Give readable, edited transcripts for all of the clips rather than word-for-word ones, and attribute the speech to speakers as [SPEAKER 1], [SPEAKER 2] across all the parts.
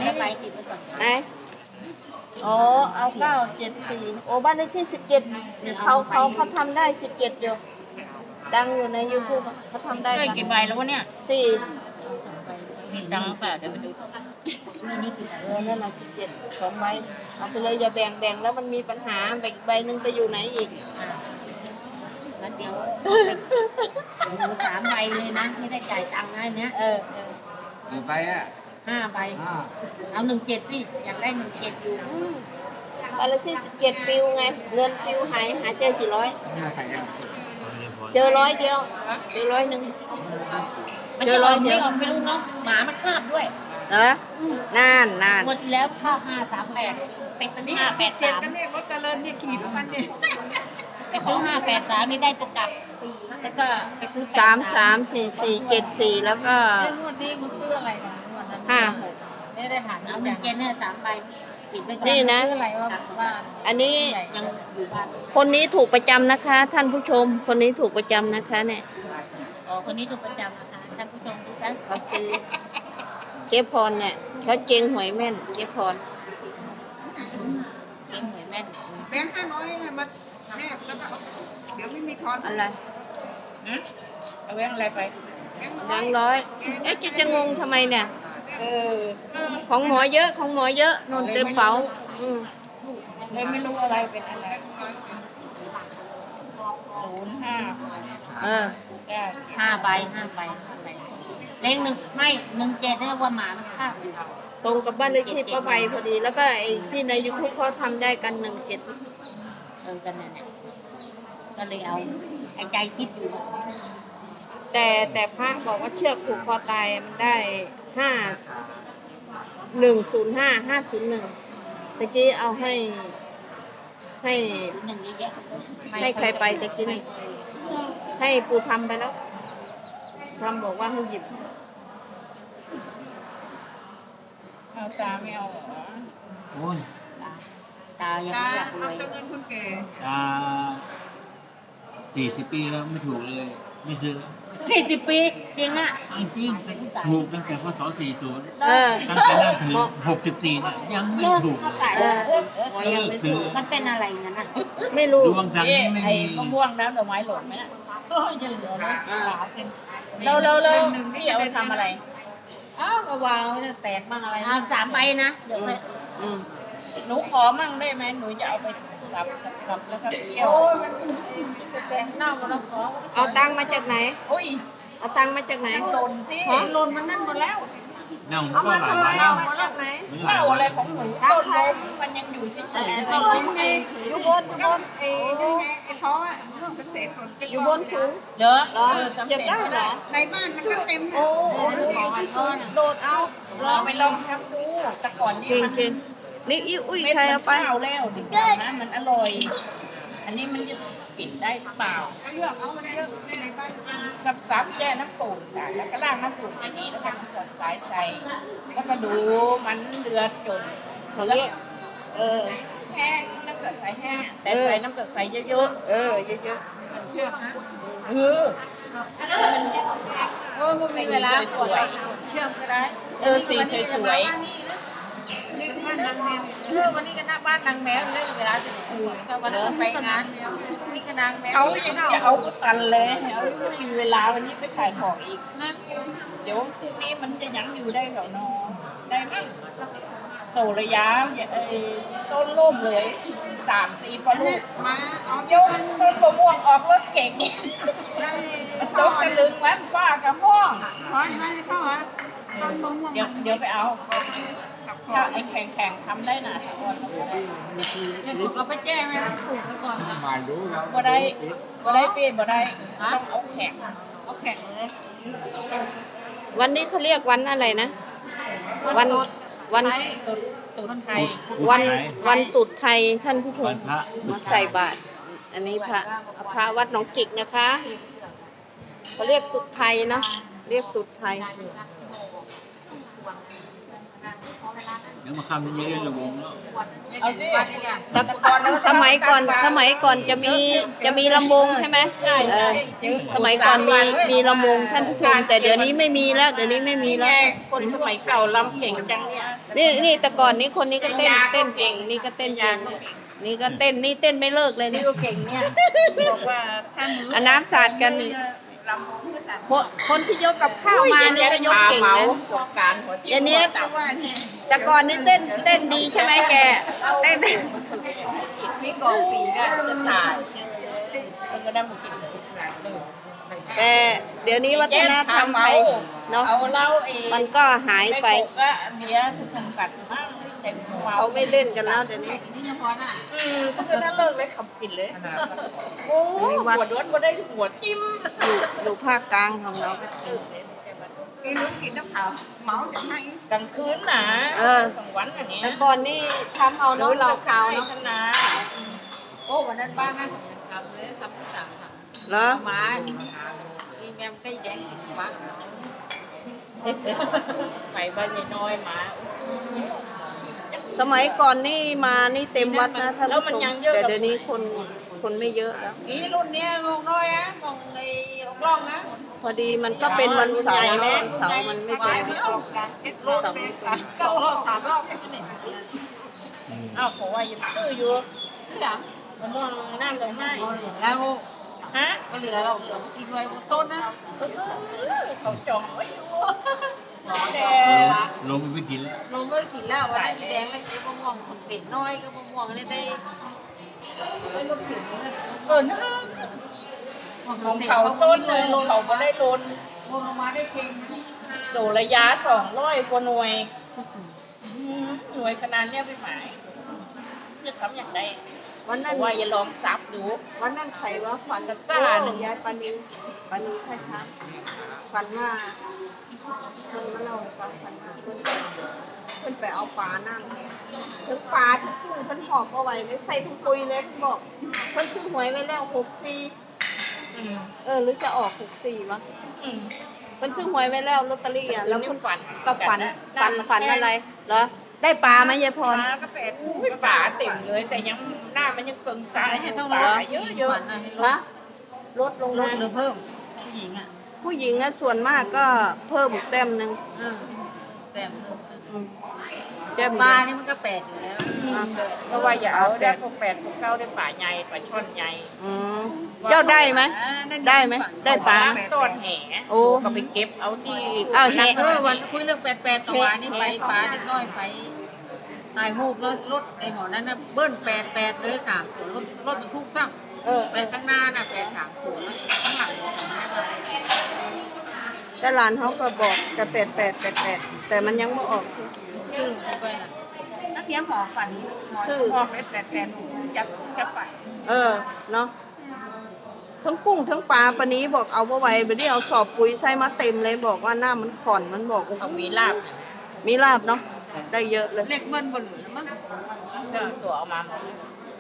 [SPEAKER 1] ไปติดไปก่อน
[SPEAKER 2] ไหนอ๋อเอา974โอ้บ้านเลขที่17เขาทำได้17อยู่ดังอยู่ใน YouTube เขาทำได้
[SPEAKER 1] ได้กี่ใบแล้ววะเนี่ย
[SPEAKER 2] 4
[SPEAKER 1] มีตังค์เปล่าเดี๋ยวไปดูนี่กี่ใบ
[SPEAKER 2] นั่นน่ะ17 2 ใบเอาไปเลยอย่าแบ่งแล้วมันมีปัญหาแบ่งใบนึงไปอยู่ไหนอีก
[SPEAKER 1] งั้นเดี๋ยว3 ใบเลยนะไม่ได้จ่ายตังค์นะเนี้ย
[SPEAKER 3] กี่ใบอ่ะ
[SPEAKER 1] 5 ใบเอา17สิอยากได้17อยู่
[SPEAKER 2] บ้านเลขที่17ปิวไงเงินปิวหายเจอกี่ร้อย
[SPEAKER 3] น่าใส่ยัง
[SPEAKER 2] เจอ100 เดียวเจอ100 นึง
[SPEAKER 1] มันจะออกไม่ออกไม่รู้เนาะหมามันคาบด้วย
[SPEAKER 2] เหรอน่าน
[SPEAKER 1] งวดที่แล้วคาบ538ไปซื้อ583
[SPEAKER 4] ก็เรียกรถเจริญเนี่ยขี่ทุกวันเนี่ย
[SPEAKER 1] ไปซื้อ583นี่ได้ตัวกลับแล้วก็ไปซื้อ
[SPEAKER 2] 334474แล้วก็
[SPEAKER 1] งวดนี้มันซื้ออะไรนะงวดนั้น
[SPEAKER 2] 56
[SPEAKER 1] ไม่ได้ถามเอา17เนี่ย3 ใบปิดไปก่อน
[SPEAKER 2] นี่นะ
[SPEAKER 1] ซื้ออะไรว่า
[SPEAKER 2] อันนี้
[SPEAKER 1] ยังอยู่บ้าน
[SPEAKER 2] คนนี้ถูกประจำนะคะ ท่านผู้ชม คนนี้ถูกประจำนะคะเนี่ย
[SPEAKER 1] อ๋อคนนี้ถูกประจำนะคะท่านผู้ชมทุกท่าน
[SPEAKER 2] เขาซื้อเจ๊พรเนี่ยเขาเจงหวยแม่นเจ๊พร
[SPEAKER 1] เก่งหวยแม่น
[SPEAKER 4] แบงค์500เนี่ยมันแนบแล้วก็เดี๋ยวไม่มีทอน
[SPEAKER 2] อะไร
[SPEAKER 1] เอาแบงค์อะไรไป
[SPEAKER 2] แบงค์ร้อยเอ๊ะจะงงทำไมเนี่ย
[SPEAKER 1] เออ
[SPEAKER 2] ของหมอเยอะของหมอเยอะนนเต็มเป๋า
[SPEAKER 1] เลยไม่รู้อะไรเป็นอะไร05
[SPEAKER 2] เออ
[SPEAKER 1] 5 ใบเลข1ไม่17เนี่ยว่าหมามันคาบอยู่
[SPEAKER 2] ตรงกับบ้านเลขที่ป้าใบพอดี แล้วก็ไอ้ที่ในยูทูบเขาทำได้กัน17
[SPEAKER 1] กันเนี่ยก็เลยเอาไอ้ใจคิดอยู่
[SPEAKER 2] แต่พระบอกว่าเชือกผูกคอตายมันได้5105501ตะกี้เอาให้
[SPEAKER 1] หนึ่งเยอะ
[SPEAKER 2] ให้ใครไปตะกี้นี่ให้ปูทำไปแล้วทำบอกว่าให้หยิบ
[SPEAKER 1] เอาตาไม่เอาเหรอ
[SPEAKER 3] โอ้ย
[SPEAKER 1] ตายัง
[SPEAKER 4] ตา
[SPEAKER 1] ไม่อยากร
[SPEAKER 4] เอา
[SPEAKER 1] วย
[SPEAKER 4] เจริญคนแก่
[SPEAKER 3] ตา40 ปีแล้วไม่ถูกเลย ไม่ซื้อ
[SPEAKER 1] 40 ปีจริงอ่ะ
[SPEAKER 3] จริงถูกตั้งแต่พศ40 ตั้งแต่นั้นถึง64เนี่ยยังไม่ถูกเลย
[SPEAKER 2] หมอยังไม่ถูก
[SPEAKER 1] มันเป็นอะไรงั้นอ่ะ
[SPEAKER 2] ไม่รู้
[SPEAKER 3] ดวงทางนี้ไม่มี
[SPEAKER 1] มะม่วงน้ำดอกไม้หล่นไหมโอ้ยเยอะๆนะขาวเป็นหนึ่งที่เอาไปทำอะไรอ้าววางจะแตกบ้างอะไร3 ใบนะเดี๋ยวไป
[SPEAKER 2] อืม
[SPEAKER 1] หนูขอมั่งได้ไหมหนูจะเอาไปสับแล้วก็เคี่ยวมันแตงเน่าแล้วขอ
[SPEAKER 2] เอาตังค์มาจากไหน
[SPEAKER 1] อุ้ย
[SPEAKER 2] เอาตังค์มาจากไหน
[SPEAKER 1] หล่นสิหล่นมันนั่นหมดแล้ว
[SPEAKER 3] เน่า
[SPEAKER 2] เอา
[SPEAKER 3] ก็
[SPEAKER 2] มา
[SPEAKER 3] หลาย
[SPEAKER 2] ทำ
[SPEAKER 3] วัน
[SPEAKER 2] ไม
[SPEAKER 3] แล้ว
[SPEAKER 2] เอามาจากไหน
[SPEAKER 1] เน่าอะไรของหนูต้นลมมันยังอยู่เฉยๆ
[SPEAKER 2] ต้นลมไงอยู่บน
[SPEAKER 4] ไอ้นี่ไงไอ้ท้ออ่ะลูกเกษตรผล
[SPEAKER 2] อยู่บนสูง
[SPEAKER 1] เยอะ
[SPEAKER 2] เหรอเก็บได้เหรอ
[SPEAKER 4] ในบ้านมันก็เต็ม
[SPEAKER 2] โอ้โหอยู่ที่สูงโดดเอา
[SPEAKER 1] ลองไปลองทำดูแต่ก่อนนี่
[SPEAKER 2] เก่ง
[SPEAKER 1] มัน
[SPEAKER 2] เก่งนี่อีอุ้ย
[SPEAKER 1] เม็ด
[SPEAKER 2] ใคร
[SPEAKER 1] มัน
[SPEAKER 2] เอาไป
[SPEAKER 1] ข้าวแล้วจริงๆนะมันอร่อย อันนี้มันจะปิดได้หรือเปล่า
[SPEAKER 4] ก็เลือกเอามันเยอะในบ้าน
[SPEAKER 1] ซับแช่น้ำปูนค่ะแล้วก็ล้างน้ำปูนดีๆแล้วก็กดสายใส่แล้วก็ดูมันเดือดจน
[SPEAKER 2] เขาเรียก
[SPEAKER 1] แห้งน้ำตาลใสแห้งแต่ใส่น้ำตาลใสเยอะ
[SPEAKER 2] เยอะ
[SPEAKER 1] ๆเชื่อนะมันมีเวลาสวยเชื่อมก็ได้สีสวยวันนี้ก็หน้าบ้านนางแมวเลยเวลาจะคุยก็วันนี้ไปงานนี่ก็นางแมวเขายังจะเอาตันเลยเอาไม่มีเวลาวันนี้ไปขายของอีกนะเดี๋ยวพรุ่งนี้มันจะยังอยู่ได้เหรอนอได้มั้งโซระยะต้นร่มเลย3-4ปลูก
[SPEAKER 4] มาเอา
[SPEAKER 1] ยกต้นมะม่วงออกรถเก่ง
[SPEAKER 4] ได้
[SPEAKER 1] มันตกตะลึงมันฟ้ากับม่วง
[SPEAKER 4] ท้อยไม่เข้าฮะต้นมะม่วง
[SPEAKER 1] เดี๋ยวไปเอาถ้าไอ้แข่งทำได้นะตะกอนเราไปแจ้งไหมต้องถูกไปก่อนนะ
[SPEAKER 3] มาดูแล้ว
[SPEAKER 1] บ่ได้เปลี่ยนบ่ได้ต้องเอาแข่งเลย
[SPEAKER 2] วันนี้เขาเรียกวันอะไรนะ วัน
[SPEAKER 1] ตุนไทย
[SPEAKER 2] วันตรุษไทยท่านผู้ช
[SPEAKER 3] วั
[SPEAKER 2] ม
[SPEAKER 3] นพระตรุษไทย
[SPEAKER 2] ใส่บาตรอันนี้พระวัดหนองจิกนะคะเขาเรียกตรุษไทยเนาะเรียกตรุษไทย
[SPEAKER 3] ดี๋ยวมาคำนี้เล่นระวงแล้ว
[SPEAKER 1] เอาสิ
[SPEAKER 2] แต่สมัยก่อนจะมีลำวงใช่ไหมสมัยก่อนมีลำวงท่านผู้ชมแต่เดี๋ยวนี้ไม่มีแล้วเดี๋ยวนี้ไม่มีแล้ว
[SPEAKER 1] คนสมัยเก่าลำเก่งจังเนี่ย
[SPEAKER 2] นี่แต่ก่อนนี้คนนี้ก็เต้นเก่งนี่ก็เต้นเก่งนี่ก็เต้นนี่เต้นไม่เลิกเลย
[SPEAKER 1] นี่
[SPEAKER 2] นี่
[SPEAKER 1] ก็เก่งเนี่ย
[SPEAKER 4] บอกว่าท่าน
[SPEAKER 2] อันน้ำสาดกันนี่
[SPEAKER 4] ลำวงก็ตัด
[SPEAKER 2] คนที่ยกกับข้าวมานี่ก็ยกเก่งนะ
[SPEAKER 1] การหัวจิ้ม
[SPEAKER 2] เดี๋ยวนี้
[SPEAKER 4] แต่ว่าเนี่ย
[SPEAKER 2] แต่ก่อนนี่เต้นดีใช่ไหมแกเต้น
[SPEAKER 1] พี่กองปีก็จะตายมันก็ได้มากิน
[SPEAKER 2] แต่เดี๋ยวนี้วัฒนธรรมไทยเนาะ
[SPEAKER 1] เอาเหล้าเอง
[SPEAKER 2] มันก็หายไป
[SPEAKER 1] ก็เบียร์คือจำกัดมากเต็มหัว
[SPEAKER 2] เขาไม่เล่นกันแล้วเดี๋ยวนี้
[SPEAKER 1] นี่เฉพาะน่ะก็คือนั่นเลิกเลยขับกินเลยโอ้หัวด้วนบ่ได้หัวจิ้ม
[SPEAKER 2] อยู่ภาคกลางของเราก็
[SPEAKER 4] กินลูกกินน้ำเผาเมาจากไหน
[SPEAKER 1] กลางคืนนะกลางวันอย่างเงี้ย
[SPEAKER 2] แต่ก่อนนี่ทำเอาเนาะเราขาวเนาะ
[SPEAKER 1] นะโอ้วันนั้นบ้านแม่ผมยังทำเลยทำที่สามทำ
[SPEAKER 2] เหรอ
[SPEAKER 1] มาอีแมมใกล้แดงกินบ้างไปบ้านยายน้อยมา
[SPEAKER 2] สมัยก่อนนี่มานี่เต็มวัดนะท่านผู้ชมแต่เดี๋ยวนี้คนไม่เยอะแล้ว
[SPEAKER 1] อีรุ่นเนี้ยงงน้อยอ่ะงงในกล้องนะ
[SPEAKER 2] พอดีมันก็เป็นวันเสาร์เนาะวันเสาร์มันไม่ตรง
[SPEAKER 1] รถสองรอบสามรอบนี่อ้าวผมว่ายังซื้ออยู่ซื้อหลังผมมองนั่งเลยให้แล้วฮะก็เหลือเรากินไว้บนต้นนะเขาจองไว้อยู่แต่
[SPEAKER 3] ลงไปกินแล้ว
[SPEAKER 1] ลงไม่กินแล้ววันนี้แดงเลยมะม่วงคนเศษน้อยก็มะม่วงนี่ได้รถถึงนะของเขาต้นเลยเขาก็ได้ลนลงมาได้เพียงโดระยะ200 กว่าหน่วยหน่วยขนาดเนี้ยไปหมายจะทำอย่างไร
[SPEAKER 2] วันนั้น
[SPEAKER 1] ว่าอย่าลองซับดู
[SPEAKER 2] วันนั้นใครว่าฝัน
[SPEAKER 1] กับซ่าหนึ่ง
[SPEAKER 2] ยายปานีใครคะฝันว่าคนมาเล่าให้ฟังฝันว่าเพิ่นไปเอาปลานั่งถึงปลาที่กุ้งเพิ่นหอบเอาไว้ไม่ใส่ถุงปุ๋ยเลยเพิ่นบอกเพิ่นซื้อหวยไว้แล้ว64หรือจะออก64วะเพิ่นซื้อหวยไว้แล้วลอตเตอรี่อ่ะแล้วเพิ่นก็ฝันอะไรเหรอได้ปลาไหมยายพร
[SPEAKER 4] ก็เป็ด
[SPEAKER 1] ป่าเต็มเลยแต่ยังหน้ามันยังเกินซ้ายให้เท่าไหร่เยอะๆ
[SPEAKER 2] ฮะลดลง
[SPEAKER 1] ล
[SPEAKER 2] มา
[SPEAKER 1] ดหรือเพิ่มผู้หญิงอ่ะ
[SPEAKER 2] ผู้หญิงอะส่วนมากก็เพิ่มแต้มหนึ่ง
[SPEAKER 1] แต้มหนึ่ง
[SPEAKER 2] แต้ม
[SPEAKER 1] ปลานี่มันก็8อยู่แล้วเพราะว่าอย่าเอาได้พวก8พวก9ได้ปลาใหญ่ปลาช่อนใหญ่
[SPEAKER 2] เจ้าได้ไหมได้ไหมได้ปลา
[SPEAKER 1] ต้นแห่
[SPEAKER 2] โอ้
[SPEAKER 1] ก็ไปเก็บเอาที่
[SPEAKER 2] อ้าวแห่
[SPEAKER 1] วันคุยเรื่อง8ต่อวันนี่ไปปลาเล็กน้อยไปถ่ายรูปรถไอ้หมอนั้นน่ะเบิ้ล8เลย3ส่วนรถบรรทุกซ้ำไปข้างหน้าน่ะ8 3ส่วนแล้วข้างหลัง
[SPEAKER 2] แต่หลานเขาก็บอกแต่88แต่มันยังไม่ออก
[SPEAKER 1] ชื่อไปอ่ะ
[SPEAKER 4] นักเลี้ยงหมอฝันหมอเป็ดแต่จะไป
[SPEAKER 2] เนาะทั้งกุ้งทั้งปลาปะนี้บอกเอาไว้ไปได้เอาสอบปุ๋ยใส่มาเต็มเลยบอกว่าหน้ามันข่อนมันบอก
[SPEAKER 1] เขามีลาบ
[SPEAKER 2] มีลาบเนาะได้เยอะเลย
[SPEAKER 1] เล็กเบิ้ลบนหรือมั้งก็ตัวเอามาหมด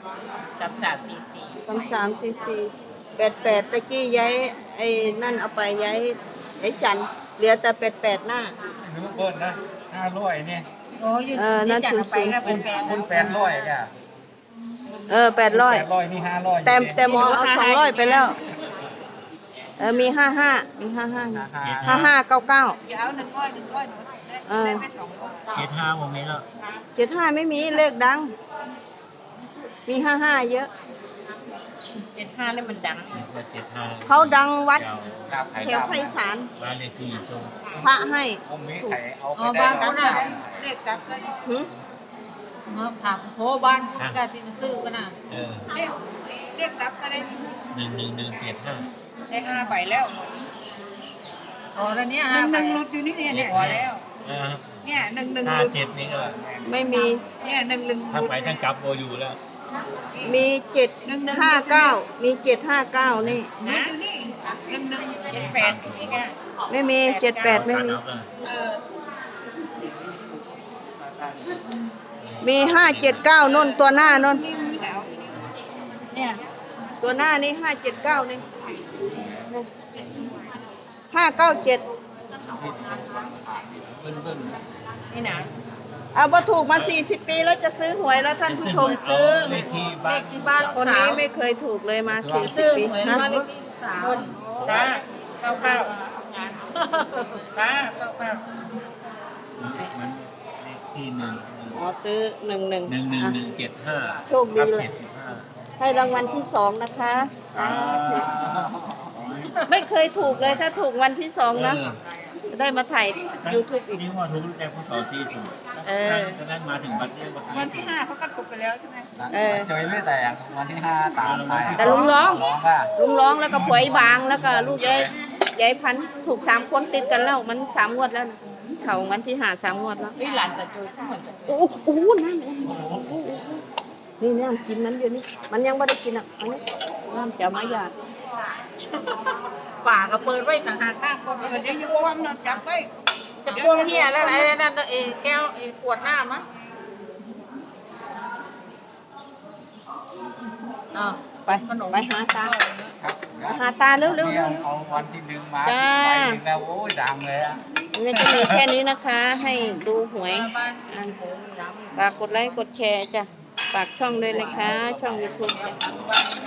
[SPEAKER 2] 334488ตะกี้ย้ายไอ้นั่นเอาไปย้ายจันเหลือแต่88หน้า
[SPEAKER 5] หนูเบิ้ลนะ500เนี่ย
[SPEAKER 1] โอ้ยนั่นจัดไปก็เป็น
[SPEAKER 5] คุณ800จ้ะ
[SPEAKER 2] 800
[SPEAKER 5] 800นี่500
[SPEAKER 2] แต่หมอเอา200ไปแล้วมี55มี55 5599
[SPEAKER 4] อย่าเอา100หนูได้ไป200
[SPEAKER 3] เจ็ดห้าโมเมนต์แล้ว
[SPEAKER 2] 75ไม่มีเลขดัง มี55เยอะ
[SPEAKER 1] 75นี่มันดัง
[SPEAKER 3] เจ็ดห้า
[SPEAKER 2] เขาดังวัด
[SPEAKER 3] เจ้า
[SPEAKER 2] แถวไพศาล
[SPEAKER 3] บ้านเลขที่ชม
[SPEAKER 2] พระให้
[SPEAKER 5] ผมมีไข่เอา
[SPEAKER 1] อ๋
[SPEAKER 5] ไป
[SPEAKER 1] อ
[SPEAKER 5] ได้
[SPEAKER 1] บ้าน
[SPEAKER 5] ครั
[SPEAKER 1] เขา
[SPEAKER 5] บ
[SPEAKER 1] น่ะเรียกกลับกัน
[SPEAKER 2] หึ
[SPEAKER 1] ถามโหบ้านที่การที่มันซื้อกันน่ะ
[SPEAKER 4] เรียกรับก็ได้
[SPEAKER 3] 11175
[SPEAKER 4] ได้5ใบแล้ว
[SPEAKER 1] อ๋อแล้วเนี้ย
[SPEAKER 4] หนึ่งรถอยู่นี่เนี่ยพอแล้วเนี่ย1
[SPEAKER 3] 57นี่ก็
[SPEAKER 2] ไม่มี
[SPEAKER 4] เนี่ย1
[SPEAKER 3] ถ้าไปทั้งกลับโบอยู่แล้ว
[SPEAKER 2] มี759มี759นี่
[SPEAKER 4] นะนี่1 1 7 8อยู่นี่ไง
[SPEAKER 2] ไม่มี78ไม่มี มี579นุ่นตัวหน้านุ่น
[SPEAKER 1] เนี่ย
[SPEAKER 2] ตัวหน้านี่579นี่597
[SPEAKER 3] เบิ้ล
[SPEAKER 1] นี่นะ
[SPEAKER 2] เอาบ่ถูกมา40 ปีแล้วจะซื้อหวยแล้วท่านผู้ชม
[SPEAKER 1] ซื้อ
[SPEAKER 3] เลขที่
[SPEAKER 1] เล
[SPEAKER 3] บ้าน
[SPEAKER 1] ขที่บ้าน
[SPEAKER 2] คนนี้ไม่เคยถูกเลยมา
[SPEAKER 1] ซื้อ
[SPEAKER 2] 40 ปี
[SPEAKER 1] หวย
[SPEAKER 2] นะ
[SPEAKER 1] บ้านเลขที่13คนจ้า99จ้า99
[SPEAKER 3] มันเลขที่หนึ่ง
[SPEAKER 2] อ๋อซื้อ11
[SPEAKER 3] 11175
[SPEAKER 2] โชคดีเลย
[SPEAKER 3] 75
[SPEAKER 2] ให้รางวัลที่2นะคะไม่เคยถูกเลยถ้าถูกวันที่2นะจะได้มาถ่าย YouTube อีก
[SPEAKER 3] นี่ว่าถูกแต่พศสี่ถูกก็นั่งมาถึงวันนี้
[SPEAKER 4] วันที่5เขาก็ถูกไปแล้วใช่ไหม
[SPEAKER 5] เจอไม่แต่วันที่5ตามไป
[SPEAKER 2] แต่ลุงร้อง
[SPEAKER 5] ว่า
[SPEAKER 2] ลุงร้องแล้วก็ผวยบางแล้วก็ลูกยายพันธุ์ถูก3 คนติดกันแล้วมัน3 งวดแล้วนะเขาวันที่5 3 งวดแล้ว
[SPEAKER 1] นี่หลานแต่จุยเหมือนกัน
[SPEAKER 2] โอ้โหน้ำนี่น้ำกินมันอยู่นี่มันยังไม่ได้กินอ่ะอันนี้น้ำจะมาหยาด
[SPEAKER 1] ป่าก็เปิดไว้ต่างหากข้างคน
[SPEAKER 4] เดี๋ยวอยู่ความนอนจับไว้
[SPEAKER 1] จะพวงเฮียแล้วไอ้นั่นเอแก้วไอ้ขวดน้ำมั้ง
[SPEAKER 2] ไปไปหาตา
[SPEAKER 5] ครับ
[SPEAKER 2] หาตาเร็วๆ
[SPEAKER 5] เอาวันที่หนึ่งมา
[SPEAKER 2] จ้า
[SPEAKER 5] ไปหนึ่งแล้วโอ้ยดังเลยอ่ะ
[SPEAKER 2] นี่ก็มีแค่นี้นะคะ ให้ดูหวยฝากกดไลค์กดแชร์จ้ะฝากช่องด้วยนะคะ ช่อง YouTube จ้ะ